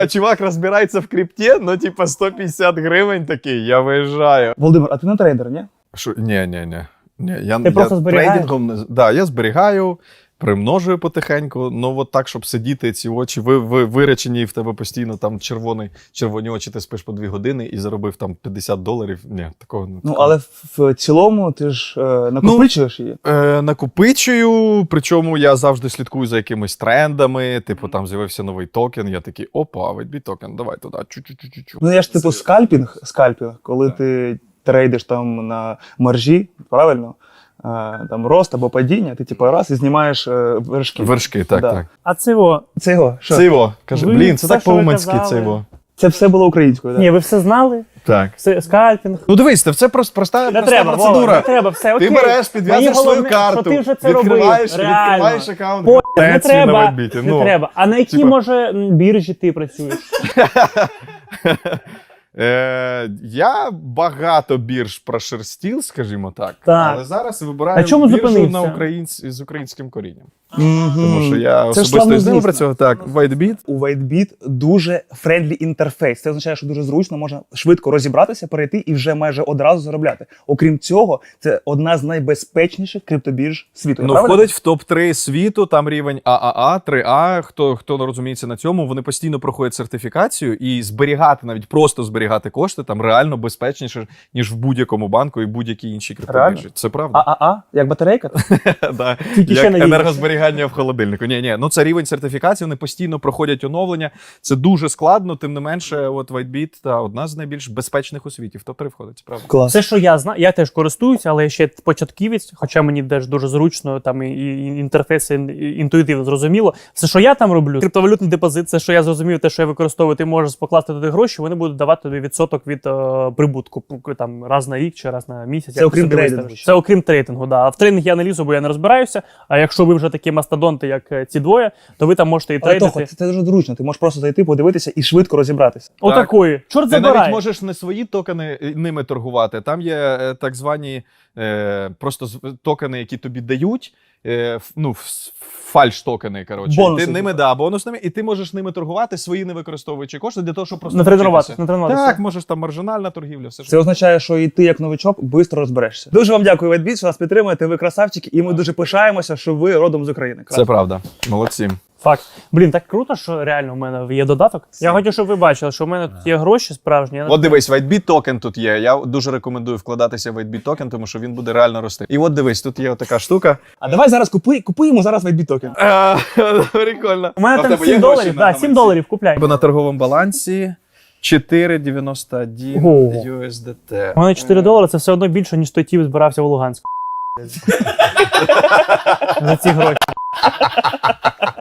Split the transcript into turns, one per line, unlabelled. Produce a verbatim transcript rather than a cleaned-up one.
А чувак розбирається в крипті, ну типа сто п'ятдесят гривень такий, я виїжджаю.
Володимир, а ти не трейдер, ні?
Що? Ні, ні, ні. ні я,
Ти
я
просто зберігаєш?
трейдингом не... Да, я зберігаю, примножую потихеньку, ну от так, щоб сидіти, ці очі ви, ви, виречені, і в тебе постійно там червоний, червоні очі, ти спиш по дві години і заробив там п'ятдесят доларів. Ні, такого не.
Ну, але в, в цілому ти ж е, накопичуєш її.
Е, накопичую, причому я завжди слідкую за якимись трендами, типу там з'явився новий токен, я такий, опа, вайт біт токен, давай туди, чу-чу-чу-чу.
Ну, я ж типу скальпінг, скальпінг, коли
Так.
ти трейдиш там на маржі, правильно? Е, там рост або падіння, ти типу раз і знімаєш е, вершки.
Вершки, так,
Да.
так.
А це його.
Це його, що?
Це його, каже,
Ви
блін, це
все,
так
що ви
по-уманськи,
казали.
це його.
Це все було українською, так?
Ні, ви все знали?
Так.
Все, скальпінг.
Ну дивись, це проста, проста,
Не
проста
треба, Вова,
процедура.
не треба, все, окей.
Ти береш, підв'язуєш
Мені
свою
головне,
карту,
що ти вже це
відкриваєш,
робив. Реально.
відкриваєш аккаунт.
По- не
Гортензії на
треба,
вайбіті.
не
Ну,
треба. А на якій,
типа-
може, м, біржі ти працюєш?
Е, я багато бірж прошерстів, скажімо так,
Так.
але зараз вибираю
На чому
біржу
зупинився?
на українсь... з українським корінням.
Мгм.
Тому що я
Це ж
особисто
славно
із ними
звісно.
працював. Так, WhiteBit.
У WhiteBit дуже френдлі інтерфейс. Це означає, що дуже зручно, можна швидко розібратися, перейти і вже майже одразу заробляти. Окрім цього, це одна з найбезпечніших криптобірж світу. Я
Ну,
правильно?
входить в топ три світу, там рівень А А А, три А, хто, хто не розуміється на цьому, вони постійно проходять сертифікацію і зберігати, навіть просто зберігати кошти, там реально безпечніше, ніж в будь-якому банку і будь-якій іншій криптобіржі.
Реально?
Це правда.
ААА? Як батарейка?
Да.
Тільки ще
Як
надіюся.
енергозберігання в холодильнику. Ні, ні, ну це рівень сертифікації, вони постійно проходять оновлення. Це дуже складно, тим не менше, от WhiteBit та одна з найбільш безпечних у світі. В топ три входить, це правда.
Клас.
Все, що я знаю, я теж користуюся, але я ще початківець, хоча мені теж дуже зручно, там і, і інтерфейс і інтуїтивно зрозуміло. Все, що я там роблю, криптовалютний депозит, це, що я зрозумів, те, що я використовую, ти можеш покласти туди гроші, вони будуть давати тобі відсоток від е, прибутку, там раз на рік чи раз на місяць.
Це
як
окрім
собі
трейдингу
виставиш.
ще.
Це окрім трейдингу, да. А в трейдинг я не лізу, бо я не розбираюся. А якщо ви вже такі мастодонти, як е, ці двоє, то ви там можете і
Але
трейдити.
Тохо, це, це дуже зручно. Ти можеш просто зайти, подивитися і швидко розібратися.
Отакої. Чорт
Ти навіть
забирай.
можеш не свої токени е, ними торгувати. Там є е, так звані е, просто з- токени, які тобі дають. Е, ф- ну, ф- фальш-токени, коротше.
Бонуси,
Ти ними,
типу.
да, бонусними, і ти можеш ними торгувати, свої не використовуючи кошти для того, щоб просто
Натренуватися,
навчитися.
натренуватися.
Так, можеш там маржинальна торгівля, все
Це означає, що і ти, як новичок, швидко розберешся. Дуже вам дякую, WhiteBit, що нас підтримуєте. Ви красавчики, і ми дуже пишаємося, що ви родом з України.
Це правда. Молодці.
Факт. Блін, так круто, що реально в мене є додаток. Я хочу, щоб ви бачили, що в мене тут є гроші справжні. Я
От дивись, WhiteBit токен тут є. Я дуже рекомендую вкладатися в WhiteBit токен, тому що він буде реально рости. І от дивись, тут є така штука.
А давай зараз купуй, купуємо зараз WhiteBit токен.
Прикольно.
У мене
А в
там
тебе є
сім
гроші
доларів,
на
да, сім
гаманці?
доларів купляй.
Бо на торговому балансі чотири дев'яносто один
Ого.
ю ес ді ти.
У мене чотири долари, це все одно більше, ніж той тіп збирався в Луганську. За ці гроші.